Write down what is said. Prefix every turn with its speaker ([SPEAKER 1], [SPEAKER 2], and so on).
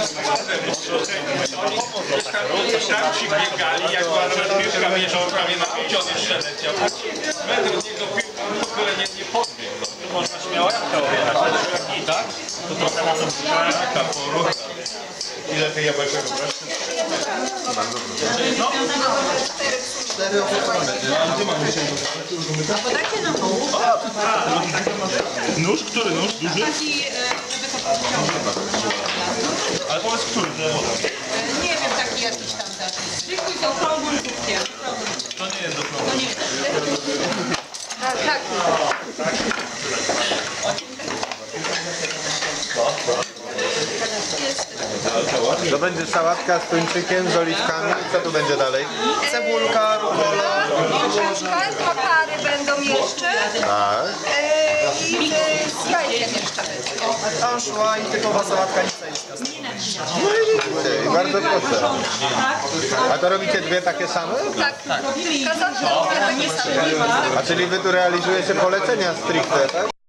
[SPEAKER 1] Tam ci biegali, jak była piłka wjeżdżał prawie na pięć, on jeszcze leciał. Metr od niego piłką w ogóle nie podbiegł.
[SPEAKER 2] Tu można śmiało jabłka objechać. I tak? To trochę na to taka poru.
[SPEAKER 3] Ile tych jabłeczek wybrasz?
[SPEAKER 2] No.
[SPEAKER 3] 4 opakowane. A gdzie mamy 10?
[SPEAKER 4] Podajcie nam nóż.
[SPEAKER 2] Nóż? Który nóż? Duży?
[SPEAKER 4] Taki, żeby to podciągnąć.
[SPEAKER 2] Ale powiedz, który?
[SPEAKER 4] Nie wiem, taki jakiś tam też. Zwykły z okrągłym kubkiem.
[SPEAKER 2] To nie jest do przodu.
[SPEAKER 4] To nie jest. Tak.
[SPEAKER 3] To będzie sałatka z tuńczykiem, z oliwkami. Co tu będzie dalej?
[SPEAKER 5] Cebulka, rukola,
[SPEAKER 6] Dwa pary będą jeszcze
[SPEAKER 3] Tak.
[SPEAKER 6] i z jajkiem jeszcze.
[SPEAKER 5] anszła i typowa sałatka nicejska.
[SPEAKER 3] No i widzicie, i bardzo proszę. A to robicie dwie takie same?
[SPEAKER 6] Tak. Kazano dwie takie same.
[SPEAKER 3] A czyli wy tu realizujecie polecenia stricte, tak?